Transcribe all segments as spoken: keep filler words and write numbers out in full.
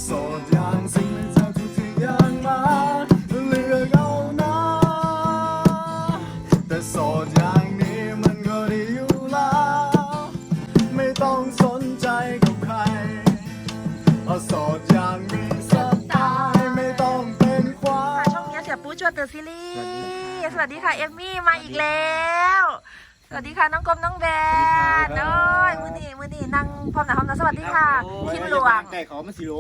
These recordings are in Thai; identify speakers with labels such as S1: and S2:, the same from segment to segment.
S1: โสดอย่างสิ่งไม่ทำทุกสิ่งอย่างมาเลือกเอานะแต่โสดอย่างนี้มันก็ดีอยู่แล้วไม่ต้องสนใจกับใครเพราะโสดอย่างมีสไตล์ไม่ต้องเป็นควา
S2: ค่ะ
S1: ย
S2: ช่องนี้เสียปูชวนเตอร์ซีรีส์สวัสดีค่ะเอมมี่มาอีกแล้วสวัสดีค่ะน้องกรมน้องแบนโอ้ยมือนี่มือนี่นั่งพร้อมหน้าพร้อมตาสวัสดีค่ะคิมหลวง
S3: ไก่เขามันสีหลง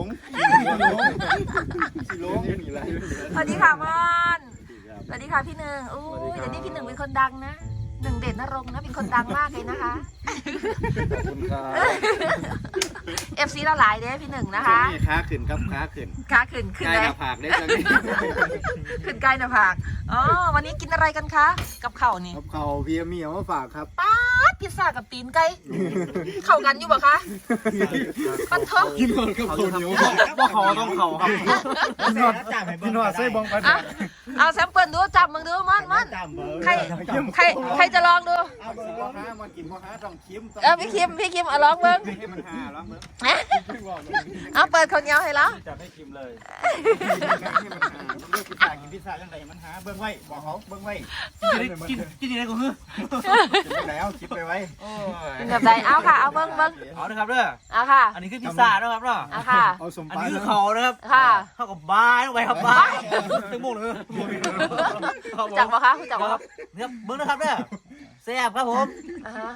S3: สีหลง
S2: สวัสดีค่ะมอนสวัสดีค่ะพี่หนึ่งอู้ยเดี๋ยวนี้พี่หนึ่งเป็นคนดังนะหนึ่งเด่นนรงค์นะเป็นคนดังมากเลยนะคะ
S3: ขอบคุณครับ
S2: เอฟซีเราหลายเด้พี่หนึ่งนะคะ
S3: นี่ค้าขึ้นครับค้าขึ้น
S2: ขาขึ้นขึ้น
S3: ใกล้
S2: เล
S3: ห
S2: ย
S3: น้าผากได้จัง
S2: ขึ้นใกล้หน้าผากอ๋อวันนี้กินอะไรกันคะกับข้าวนี่
S3: ครับเขาเพียมีเอามาฝากครับ
S2: ป๊าดพิซซ่ากับตีนไก่เข้ากันอยู่ปะคะปันทอง
S3: กินก่อนครับเขาเหนียว
S4: ว่าเขาต้องเขาครับ
S3: กินหอดกินหอดไส้บองไป
S2: อ่ะเอาแซมเปิลดูจับมึงดูมันมันใครใครใครจะลองดู
S3: เอาเบอร์พ่อค้ามากินพ่อค้าต้องคิมต้อง
S2: เออพี่คิมพี่คิมเอาลองเบิ้ง
S3: ให้มันหาล้างเบิ้ง
S2: เอาเปิดข้าวเหนียวให้แล้ว
S4: จะไม่คิมเลย
S3: ให้มันหาเลือกพิซซ่ากินพิซซ่าจังไดมันหาเบิ้งไว้บอกเขาเบิ้งไว้
S4: กินกินยังไงก็คือ
S3: กินไปแล้วคิดไปไว้
S2: กินแบบใดเอาค่ะเอาเบิ้งเบิ้ง
S4: เอาเลยครับเด้อ
S2: เอาค่ะ
S4: อันนี้คือพิซซ่านะครับเนาะ
S2: เอาค่ะ
S3: เอาสม
S4: อัน
S3: ปา
S4: นี้
S3: ย
S4: คือเขานะครับ
S2: ค่ะ
S4: เท่ากับบายลงไปครับบายตึงโมงเลย
S2: จักปะคะจักปะ
S4: เนี่ยเบิ้งนะครับเด้อแซ่บครับผม
S2: อ่าฮะ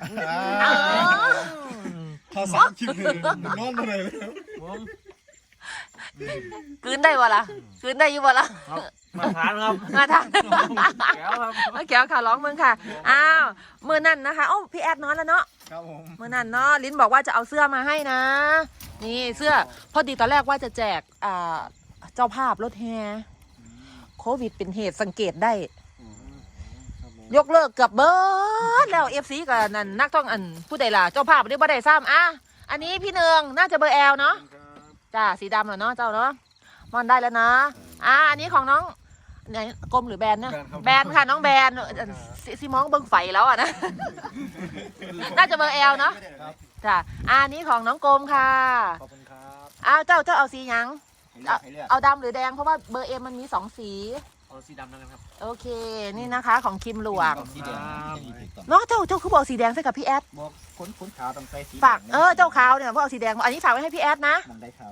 S3: เขาสามคิมเลยนอนมาเลย
S4: ผม
S2: กลืนได้วะล่ะกลืนได้อยู่วะล่ะ
S4: มาทานครับ
S2: มาทาน
S4: แก้วครับ
S2: มาแก้วค่ะร้องมึงค่ะอ้าวมือนั่นนะคะโอ้พี่แอดนอนแล้วเนาะ
S3: ครับผม
S2: เมื่อนั้นเนาะลิ้นบอกว่าจะเอาเสื้อมาให้นะ นี่เสื้อพอดีตอนแรกว่าจะแจกอ่าเจ้าภาพรถแฮโควิดเป็นเหตุสังเกตได้ ยกเลิกเกือบเบิดแล้วเอฟซีกับนั่นนักท่องอันผู้ใดล่ะเจ้าภาพเรียกว่าได้ซ้ำอ่ะอันนี้พี่เนืองน่าจะเบอร์แอลเนาะจ้าสีดำเหรอเนาะเจ้าเนาะมอนได้แล้วนะอ่ะอันนี้ของน้องไหนกลมหรือแบนนะแบนค่ะน้องแบนซิซิมองเบิ้งไฟแล้วอ่ะนะ น่าจะเบอร์แอลเนาะจ้ะอันนี้ของน้องกรมค่ะ
S3: ขอบคุณครับ
S2: อ้าวเจ้าเจ้าเอาสีหยัง
S3: ให้เลือกให้เลือก
S2: เอาดำหรือแดงเพราะว่าเบอร์เอ็มมันมีสองสี
S4: เอาสีดำนะครับ
S2: โอเคนี่นะคะของคิมหลวง
S3: สีแดง
S2: เนาะเจ้าเจ้าคือบอกสีแดงใส่กับพี่แอด
S3: บอกคนคนขาวต้องใส่สี
S2: ฝากเออเจ้าขาวเนี่ยเพราะเอาสีแดงอันนี้ฝากไว้ให้พี่แอดนะ
S3: มันได้ขาว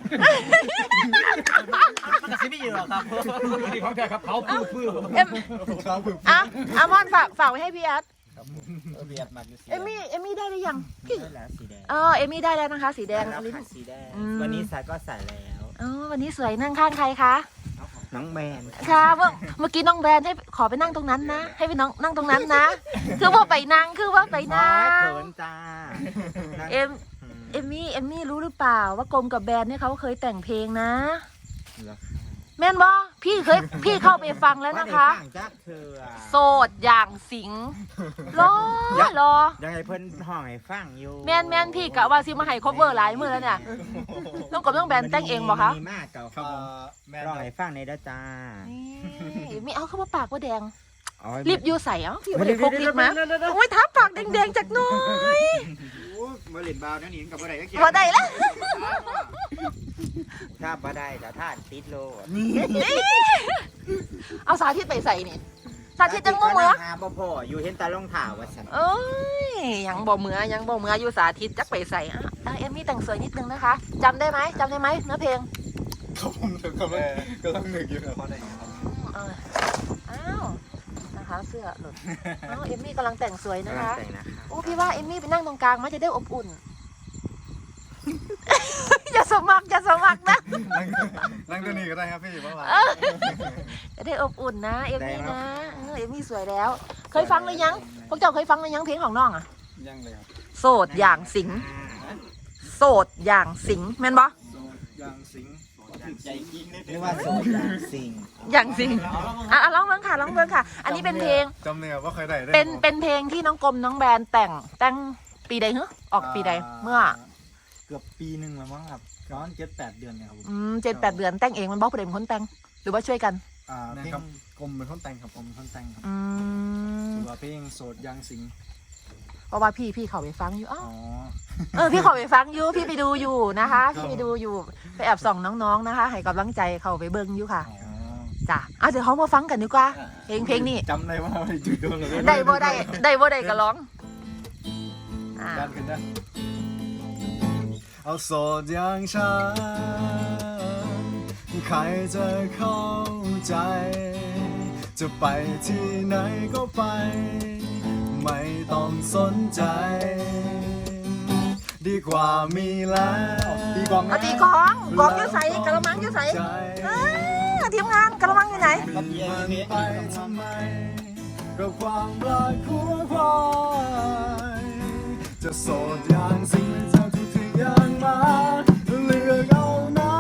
S4: มันกระซิบไม่อยู่หรอกครับนี่ของแท้ครับเขาพื้นพื้น
S2: เอ็ม
S3: ขาวคือ
S2: อ่ะอามอนฝากฝากไว้ให้พี่แอด
S3: เบียดมากอยู่สี
S2: เอมมี่เอมมี่ได้หรือยังพี่
S3: ได้แล้วสีแดง
S2: เออเอมมี่ได้แล้วนะคะ สีแดงลิ้น
S3: สีแดง
S2: อืม
S3: วันนี้ใส่ก็ใส่แล้ว
S2: อ๋อวันนี้สวยนั่งข้างใครคะ
S3: น้องแมน
S2: ค่ะเมื่อเมื่อกี้น้องแบรนด์ให้ขอไปนั่งตรงนั้นนะ ให้ไปน้องนั่งตรงนั้นนะ คือว่าไปนั่งคือว่าไปนั่ง
S3: เขินจ้า
S2: เอ็มเอมมี่เอมมี่รู้หรือเปล่าว่ากรมกับแบรนด์เนี่ยเขาเคยแต่งเพลงนะ แม่นบอพี่เคยพี่เข้าไปฟังแล้วนะคะ
S3: จักเธอ
S2: โสดอย่างสิงรอรอ
S3: ยังไงเพิ่นห้องให้ฟังอยู่
S2: แม่นแม่นพี่กะว่าซิมาให้ครบเวอร์หลายมือแล้วเนี่ยต้องกับต้องแบรนด์แต่งเองบอกคะ
S3: มีมากเก่าครับผมร้องให้ฟังในด้าจ้า
S2: นี่ไม่เอาเข้ามาปากว่าแดง
S3: อ๋อ
S2: รีบยูใส่เอ้าพี่ไม่ได้พกรีบมาโอ้ยทับปากแดงๆจากหน้อย
S3: มาเล่นบาวนั่นนี่กับบ่ได้ก็เกี่
S2: พอได้แล้ว
S3: ถ้าบ่ได้แต่ถ้าติดโล
S2: เอาสาธิตไปใส่นี่สาธิตจังบ่เหมือ
S3: หาบ่พออยู่เห็นตาลงถ่าว่าซั่น
S2: เอ้ยยังบ่เหมือยังบ่เหมืออยู่สาธิตจักไปใส่อ่ะอ่ะเอมมี่แต่งสวยนิดนึงนะคะจำได้ไหมจำได้ไหมเนื้อเพลง
S3: ครับผมกำลังกำลังนึกอยู่ครับ
S2: เอออ้าวนะคะเสื้อหลุดอ้าวเอมมี่กำลังแต่งสวยนะคะ
S3: แต่งนะคะ
S2: โอ้พี่ว่าเอมมี่ไปนั่งตรงกลางมันจะได้อบอุ่น อย่าสมัครอย่าสมัครนะ
S3: นั่งตัวนี้ก็ได้ครับพี่ว่าว่า
S2: จะได้อบอุ่นนะเอมมี่นะเออเอมมี่สวยแล้ว เคยฟังหรือยังพวกเจ้าเคยฟังหรือยังเพลงของน้องอ่ะ
S3: ยังเลยครับ
S2: โสดอย่างสิงโสดอย่างสิงแม่นบ่
S3: ยังสิงใจจริงเรียกว่าโสดยังสิง
S2: อย่างสิงอ่ะอ่ะร้องเบิ้งค่ะร้องเบิ้งค่ะ อันนี้เป็นเพลง
S3: จำเนื้อว่าเคยได้
S2: เป็นเป็นเพลงที่น้องกรมน้องแบรนด์แต่งแต่งปีใดเหรอออกปีใดเมื่อ
S3: เกือบปีหนึ่งแล้วมั้งครับย้อนเจ็ดแปดเดือนเนี่ยครับผม
S2: อืมเจ็ดแปดเดือนแต่งเองมันบอกประเด็นคนแต่งหรือว่าช่วยกัน
S3: อ่าเพลงกลมเป็นคนแต่งครับผมเป็นคนแต่งครับ
S2: อืม
S3: ถือว่าเพลงโสดยังสิง
S2: เพราะว่าพี่พี่เขาไปฟังอยู่อ้าว
S3: อ๋อ
S2: เออพี่เขาไปฟังอยู่พี่ไปดูอยู่นะคะพี่ไปดูอยู่ไปแอบส่องน้องๆนะคะให้กำลังใจเขาไปเบิ้งอยู่ค่ะ
S3: อ๋อ
S2: จ้ะเอาเดี๋ยวเขามาฟังกันดีกว่าเพลงเพลงนี้
S3: จำได้ว่าไม่จุดโดนเลย
S2: ได้บ่ได้ได้บ่ได้ก็ร้องอ่า
S3: การขึ้นได้
S1: เอาโสดอย่างฉันใครจะเข้าใจ จะไปที่ไหนก็ไป ไม่ต้องสนใจ ดีกว่ามีแล้ว
S3: ตีกลอง
S2: เอาตีกลองกลองอยู่ใส่กระมังอยู่ใส่เออทีมงานกระมังอยู่ไหน
S1: มันไปทำไมกับความรักคู่ควายจะโสดอย่างสิ่งที่เธอทุกสิ่งอย่างมาเลือกเอานะ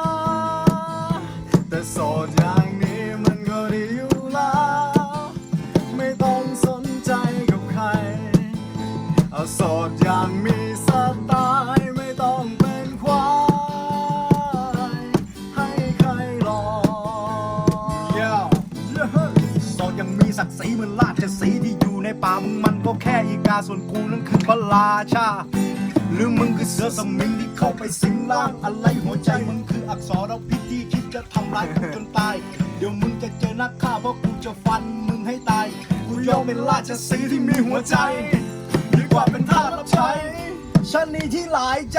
S1: แต่โสดอย่างนี้มันก็ดีอยู่แล้วไม่ต้องสนใจกับใครเอาโสดอย่างมีสไตล์ไม่ต้องเป็นควายให้ใครรอ
S3: เย้โสดยังมีศักดิ์ศรีเหมือนราชสีห์ที่อยู่ในป่ามึงมันก็แค่อีกาส่วนกูนั้นคือพระราชาหรือมึงคือเสือสมิงที่เข้าไปสิงร่างอะไรหัวใจมึงคืออักษรเอาพิษที่คิดจะทำร้ายกูจนตายเดี๋ยวมึงจะเจอนักฆ่าเพราะกูจะฟันมึงให้ตายกูยอมเป็นราชสีห์ที่มีหัวใจดีกว่าเป็นทาสรับใช้ฉันนี่ที่หลายใจ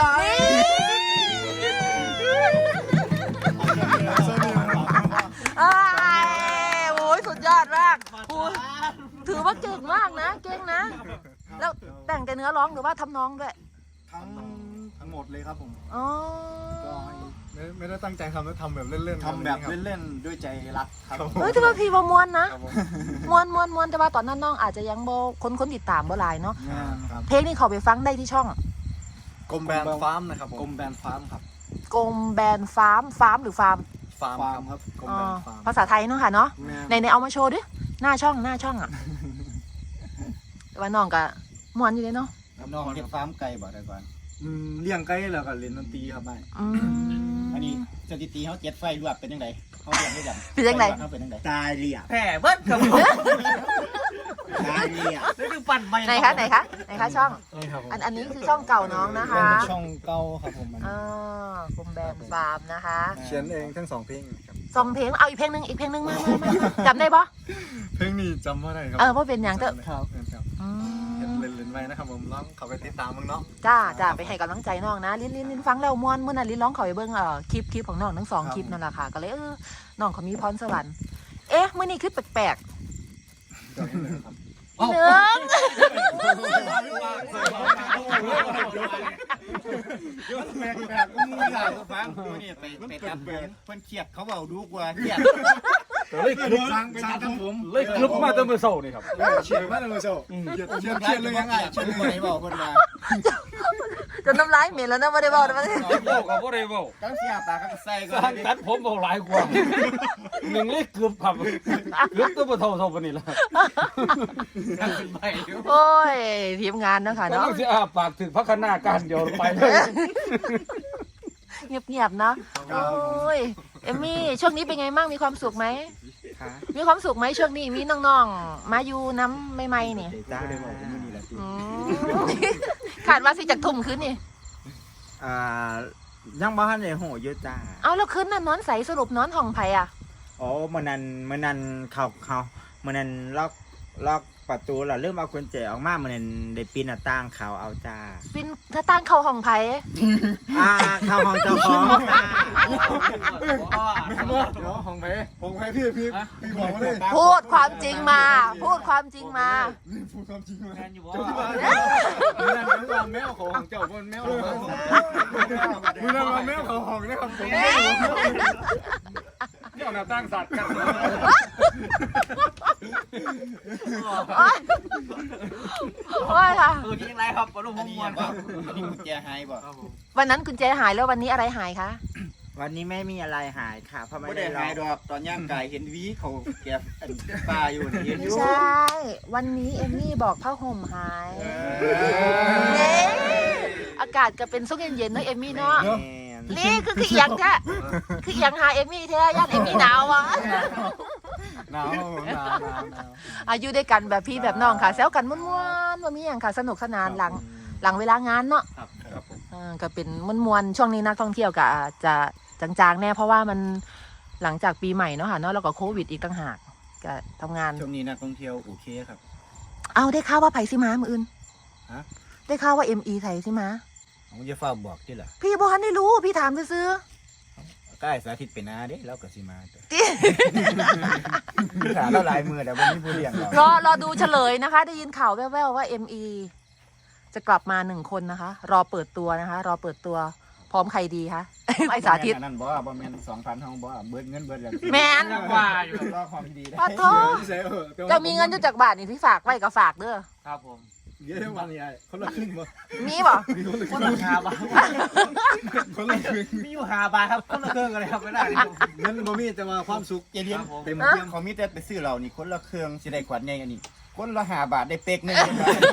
S2: อ้ายโอ้ยสุดยอดมากโอ้ยถือว่าเก่งมากนะเก่งนะ แล้วแต่งแต่เนื้อร้องหรือว่าทำนองด้วย
S3: ทั้งทั้งหมดเลยครับผม
S2: อ๋อ
S3: ก็ให้
S1: ไม่ไม่ได้ตั้งใจทำแล้วทำแบบเล่นๆ
S3: ทำแบบเล่นๆด้วยใจรักครับผม
S2: เฮ้ยแต่ว่าพี่ว่ามวนนะมวนมวนมวนแต่ว่าตอนนั้นน้องอาจจะยังโบคนคนติดตามบ่หลายเนาะ
S3: ครับ
S2: เพลงนี้เขาไปฟังได้ที่ช่อง
S1: กลมแบนฟาร์มนะครับผม
S3: กรมแบรนด์ฟาร์มครับ
S2: กรมแบรนด์ฟาร์มฟาร์มหรือฟาร์ม
S1: ฟาร์ม
S3: ฟาร์มครับ
S1: กลม
S2: อ๋อ
S1: แบนฟาร์ม
S2: ภาษาไทยเนาะค่ะเนาะในในเอามาโชว์ดิหน้าช่องหน้าช่องอ่ะแต่ว่าน้องก็มวนอยู่เลยเนาะ
S3: น้องเฮ็ดฟาร์มไก่บ่ได้ก่อนอืมเลี้ยงไก่แล้วก็เล่นดนตรีครับไม่
S2: อืม
S3: อันนี้สถิติเขาเจ็ดไฟรวดเป็นยังไงเขาเรียนได้ยัง
S2: เป็นยังไง
S3: เขาเป็นยังไง
S5: ตายเรียบ
S4: แผ่เบิ้ลครับ
S5: ตายเรียบ
S4: นี่คือปั่นไป
S2: ไหนคะไหนคะไหนคะช่อง
S3: นี่ครับผม
S2: อันอันนี้คือช่องเก่าน้องนะ
S3: เป็น
S2: คะ
S3: ช่องเก่าครับผมมัน
S2: อ่ากรมแบรนด์ฟาร์มนะคะ
S1: เขียนเองทั้งสองเพลงครับ
S2: สองเพลงเอาอีกเพลงหนึ่งอีกเพลงหนึ่งมามามาจำได้ปะ
S1: เพลงนี้จำว่าได้ครั
S2: เออว่าเป็นอย่างเตอะ
S1: ครับครับ
S2: อื
S1: เห็น
S2: ม
S1: เล่นเล่นๆไว้นะครับผมร้องเขาไปติดตามมึงเนาะ
S2: จ้าจ้าไปให้กำลังใจน้องนะลิ้นลิ้นลิ้นฟังแล้วม่วนเมื่อนั้นลิ้นร้องเขาไปเบิ้งเอ่อคลิปคลิปของน้องทั้งสองคลิปนั่นแหละค่ะก็เลยเออน้องเขามีพรสวรรค์เอ๊ะเมื่อนี้คลิปแปลกๆหนึ่ง
S3: แปลกแปลกมึงอยากฟังนี่ไปไปตัดเพิ่นเครียดเขาเบาดูกว่าเครียด
S4: เลยกลุบ
S3: ฟังไปตัดผม
S4: เลยกลุบมาตั้งแต่เช้านี่ครับ
S1: เชียร์มาเลยโซ่เชียร์เชียร์
S3: เครียดเลยยังไงเชื่อไหมบอกคนมา
S2: จนน้ำลายเหม็นแล้วนะไม่ได้บอกนะไม่ได้
S4: เว้ากับบ่ได้เว้า
S3: ตั้งเสียปากก็ใส่ก็
S4: สร้างตัดผมเบาหลายกว่าหนึ่งเลยเกือบครับเกือบตัวบ่เท่าเท่าปานนี้ล่ะขึ้นไปเดี๋ยว
S2: โอ้ยทีมงานเนาะค่ะ
S4: กำ
S2: เนาะ
S4: ลังสิอ้าปากถึงพักหน้าการเดียวไปเลย
S2: เงียบๆเนาะโอ้ยเอมมี่ช่วงนี้เป็นไงบ้างมีความสุขไหมมีความสุขไหมช่วงนี้มีน้องๆมาอยู่น้ำใหม่ๆนี่
S5: จ้า
S2: อืมขาดว่าสิจากทุ่มคืนนี่
S5: อ่ายังบ้านในโหเยอะจ้า
S2: เอาแล้วคืนนั้นนอนใสสรุปนอนห้องไผ่อะ
S5: อ๋อมันนั้นมันนั้นเขาเขามันนั้นล็อกล็อกประตูเราเริ่มเอากุญแจออกมามันนั้นได้ปีนหน้าต่างเขาเอาจ้า
S2: ปินถ้าตั้งเข้าห้องไผ่
S5: อ่าเข้าห้องเจ้าของจ้า
S1: เดี๋ยวของเพของเพพี่พี่พี่บอกมาเลย
S2: พูดความจริงมา พูดความจริงมา
S1: นี่พูดความจริงมา
S4: แม่นอยู่บ่
S1: เจ้าที่บ้านมือนั้นเป็นว่าแมวของเจ้าบนแมวของมือนั้นว่าแมวของของนะครับผม
S4: เดี๋ยวหน้าตั้งสัตว์กัน
S2: โอ๊ยโอ๊ยค่ะ
S4: เออนี่ยังไรครับบ่รู้
S3: อั
S4: ผ
S3: น
S4: ม
S3: นี้
S4: ม่วน
S3: บอกอันนี้กุญแจหายบ่
S2: วันนั้นกุญแจหายแล้ววันนี้อะไรหายคะ
S5: วันนี้ไม่มีอะไรหายค่ะเพราะไม่
S3: ไม่
S5: ได้
S3: ได้
S5: ล็อ
S3: หาย
S5: ก
S3: ดอกตอนย่างไก่เห็นวีเขาแกอันปลาอยู่นี่เห็นอ
S2: ไม่
S3: ยู่
S2: ใช่ วันนี้เอมมี่บอกผ้าห่มหายเน่อากาศก็เป็นซุกเย็นๆเนอะเอมมี่เนาะ
S5: แม่น
S2: นี่คือคือเอียงแท้คือเอียงหาเอมมี่แท้ย่านเอมมี่หนาวอ่ะ
S1: หนาวหนาวหนาวหนาว
S2: อายุด้วยกันแบบพี่แบบน้องค่ะแซวกันม่วนๆว่ามีอย่างค่ะสนุกสนานหลังหลังเวลางานเนาะ
S4: ครับครับผม
S2: อ่าก็เป็นม่วนๆช่วงนี้นักท่องเที่ยวก็อาจจะจางๆแน่เพราะว่ามันหลังจากปีใหม่เนาะค่ะเนาะแล้วก็โควิดอีกต่างหากก็ทำงาน
S1: ช่วงนี้นักท่องเที่ยวโอเคครับ
S2: เอาได้ข่าวว่าไผ่สิมามืออื่น
S1: ฮะ
S2: ได้ข่าวว่าเอ็มอีไทยสิมา
S1: ผมจะฝ้าบอกที่ล่ะ
S2: พี่บอกได้รู้พี่ถามซื้อ
S1: ใกล้สาธิตเป็นนาเด้แล้วก็สิมาตัว
S2: ๆ
S1: ถามเราหลายมือแต่วันนี้ผู้เลี้ยงเรา
S2: รอรอดูเฉลยนะคะ ได้ยินข่าวแว่วๆว่า เอ็ม อี จะกลับมาหนึ่งคนนะคะ รอเปิดตัวนะคะ รอเปิดตัวพร้อมใครดีคะ ไอสาธิต
S1: นั่นบอกว่าบ่แม่นสองพันห้องบอกว่าเบิดเงินเบิดอย่าง
S2: แมน
S4: ว่าอยู่
S1: รอความดีได้
S2: ปะโทจะมีเงินอยู่จากบาทนี่ที่ฝากไว้ก็ฝากเด้อ
S4: ครับผม
S1: เยอะวันนี้ไอ้คนละครึ่งบ่
S2: มีบ่
S4: คนละหาบาท
S1: คนละครึ่ง
S4: มีอยู่หาบาทครับคนละเครื่องกันเลยครับไม่ได้
S1: เงินบ่มีแต่ว่าความสุขเจเลียน
S4: ครับผม
S1: เต็มเทียมเขามีแต่ไปซื้อเรานี่คนละเครื่องสิได้ขวดใหญ่อันนี้คนละห้าบาทได้เป๊กหนึง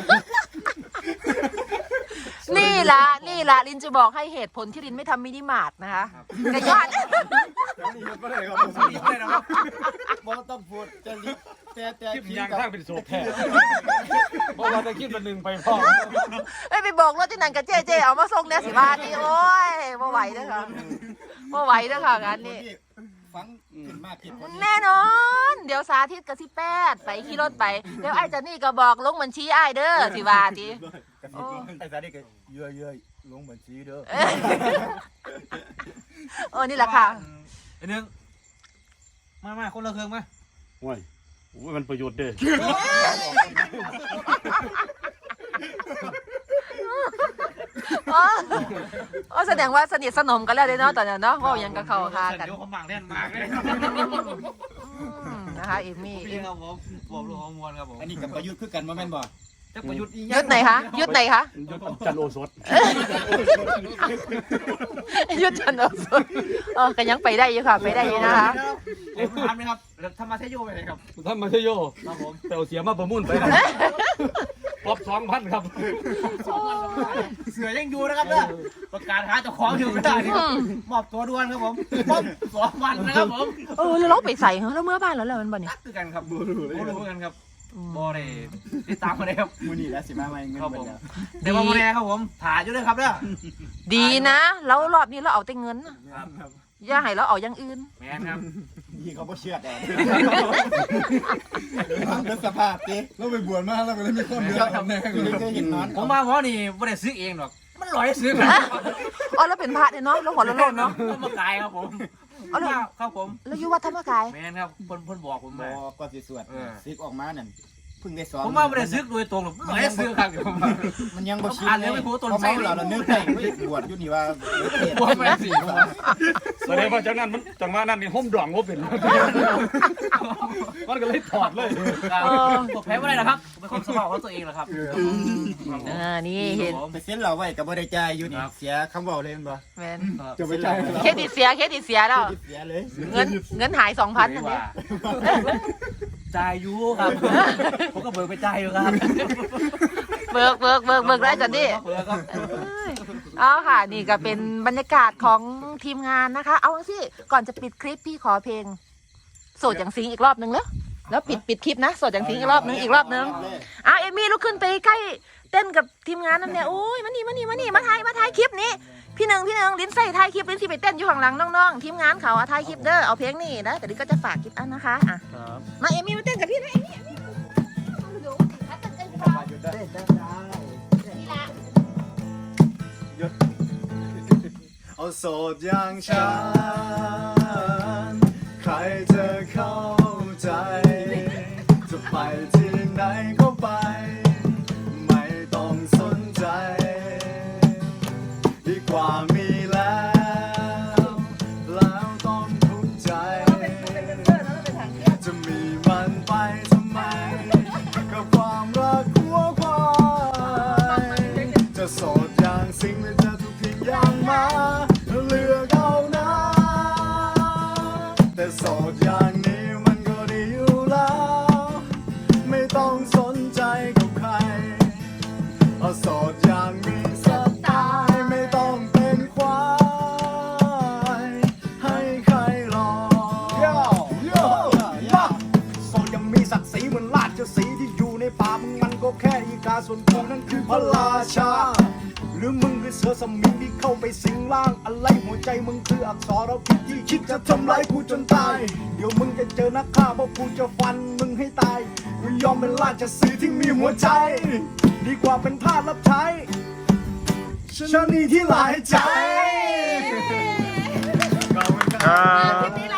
S2: นี่ละนี่ละลินจะบอกให้เหตุผลที่ลินไม่ทำมินิมาร์ทนะคะกระยอด
S1: นี่ก็ได้ครับผมนี่ได้นะครับบ่ต้องพูดจะลิแต่แต่
S4: คลิปยางข้างเป็นโซแท้เพราะว่าจะคิดเป็นหนึ่งไปพ่อ
S2: ไม่ไปบอกรถที่นั่นกับเจ๊เจ๊เอามาส่งเนี่ยสิบาทนี่โอ้ยบ่ไหวเด้อค่ะบ่ไหวเด้อค่ะงานนี้
S1: ฟังขึ้นมากคิดคน
S2: แน่นอน เดี๋ยวสาธิตกับสิแปดไปขี่รถไปเดี๋ยวไอ้เจนนี่ก็บอกลงบัญชีไอ้เด้อสิว่าที
S1: โอ้ไอ้สาดิก็เยื่อเยื่อลงบัญชีเด้อ
S2: เออนี่แหละค่ะ
S4: ไอ้หนึ่งมามาคนละเครื่องมา
S6: โอ้ยโอ้ยมันประโยชน์เด้
S2: อ๋ออ๋อแสดงว่าสนิทสนมกันแล้วเด้เนาะตอนนั้นเนาะเว่าหยังกับเขาหากัน
S4: เดี๋ยวเขาหมักแน่นมากเลย
S2: อืมนะคะเอมี่
S4: พี่ครับผมผมลูกของมวลครับผม
S1: อันนี้กับประยุทธ์คือกันบ่แม่นบ่
S4: จะประยุทธ์อีก
S2: ยุดไหนคะยุดไหนคะ
S6: ยศจันโอสถ
S2: ยุดจันทร์โอสถเออก็ยังไปได้อยู่ค่ะไปได้อยู่นะคะ
S4: เล่นถามนะครับแล้วทำมาเทโยไปเลยครับ
S6: ท่านมาเชยโย
S4: ครับผม
S6: แต่เอาเสียมาประมุ่นไปครับปอบสองพันครับ
S4: เสือยังอยู่นะครับเนี่ยประกาศหาเจ้าของอยู่ไม่ได้นี่ครับมอบตัวด่วนครับผมมอบสองวันนะครับผม
S2: เออแล้วเราไปใส่เหรอแล้วเมื่อบ้านแล้วแล้วมันบ่เนี่ย
S4: นักคือกันครับบูรูบูรูกันครับ
S2: อืม
S4: บอได้ติดตามมาเลยครับ
S1: มื้อนี้แล้วสิมาใหม่เงิน
S4: ครับ
S1: เบิ
S4: ผ
S1: ด
S4: ม
S1: แล้ว
S4: เดี๋ยวมาโมแนครับผมถ่ายอยู่ด้วยครับเนี่ย
S2: ดีนะแล้วรอบนี้เราเอาแต่เงินน่ะ
S4: ครับ
S2: อย่าให้เราเอาอย่างอื่น
S4: แมนครับ
S1: ยี่เขาบ่เชื่อแต่เป็นสภาพติเราไปบวชมาแล้วก็เลยมีความเดือดร้อนแน่ก็เลยเห็นนอน
S4: ผมมาหมอนี่ไม่ได้ซื้อเองหรอกมันลอยซื้อครับ
S2: อ๋อแล้วเป็นพระเนี่ยเนาะแล้วหัวโล้นๆเนาะ
S4: ต้นมะกายครับผม
S2: เอาเลย
S4: ครับผม
S2: แล้วอยู่วัดธรรมกาย
S4: แมนครับเพิ่นเพิ่นบอกผม
S1: บ่
S4: มา
S1: ก็สิสวด
S4: เออ
S1: ซึกออกมานั่นเพิ่งได้สอน
S4: ผมมาไม่ได้ซื้อโดยตรงหรอกลอยซื้อครับผม
S1: มันยังบ่ชิน
S4: อ่านแล้วไม่พูดต้น
S1: พอ
S4: ไส้
S1: เมาแล้วเรานึกได้เฮ้ยบวชอยู่นี่ว่า
S4: บวชมาได้สี่
S6: แสดงว่าจากนั้นมันจังหวะนั้นนี่ห่มดองว่าเป็น มันก็เลยถอดเลย
S4: ผมแพ้ไม่ได้นะครับเป็นคนสมองของตัวเองแหละครับ
S2: อ่านี่เห็น
S1: ไปเซ็นเราไว้ก็บ่ได้จ่ายอยู่นี่เสียคำเว้าเลยแม่นบ่
S2: แมน
S1: จะไปจ่าย
S2: เครดิตเสียเครดิตเสียแล้ว
S1: เสียเลย
S2: เงินเงินหายสองพันอันนี้
S4: จ่ายอยู่ครับผมก็เบิกไปจ่ายอยู่ครับ
S2: เบิกเบิกเบิกเบิกได้จันดิ
S4: เบิกครับ
S2: เอาค่ะ นี่ก็เป็นบรรยากาศของทีมงานนะคะ เอาสิก่อนจะปิดคลิปพี่ขอเพลง โสดอย่างสิงอีกรอบนึงแล้วแล้วปิดปิดคลิปนะโสดอย่างสิงอีกรอบนึงอีกรอบนึงอ่ะเอมี่ลุกขึ้นไปใกล้เต้นกับทีมงานนั่นเนี่ยโอ้ยมานี่มานี่มานี่มาถ่ายมาถ่ายคลิปนี้พี่หนึ่งพี่หนึ่งลิ้นใส่ถ่ายคลิปลิ้นที่ไปเต้นอยู่ข้างหลังน้องๆทีมงานเขาอะถ่ายคลิปเด้อเอาเพลงนี่นะแต่ลิ้นก็จะฝากคลิปอันนะคะอ่ะมาเอมี่มาเต้นกับพี่นะเอมี่เอมี่เดี๋ยวเต้นกันดีกว่านี่ละ
S1: เอาโสดอย่างฉันใครจะเข้าใจ จะไปที่ไหนก็ไป ไม่ต้องสนใจ ดีกว่ามีแล้ว แล้วต้องทุกข์ใจ จะมีมันไปทำไม กับความรักหัวควายจะโสดอย่างสิ่งหรือจะทุกทิ้งอย่างมาเลือกเอานะ
S3: ส่วนกูนั้นคือพระราชา หรือมึงคือเสือสมิงที่เข้าไปสิงร่างอะไรหัวใจมึงคืออักษรพิษที่คิดจะทำร้ายกูจนตาย เดี๋ยวมึงจะเจอนักฆ่าเพราะกูจะฟันมึงให้ตายกูยอมเป็นราชสีห์ที่มีหัวใจ ดีกว่าเป็นทาสรับใช้ชะนีที่หลายใจ
S1: ขอบคุณครับ
S2: คลิปนี้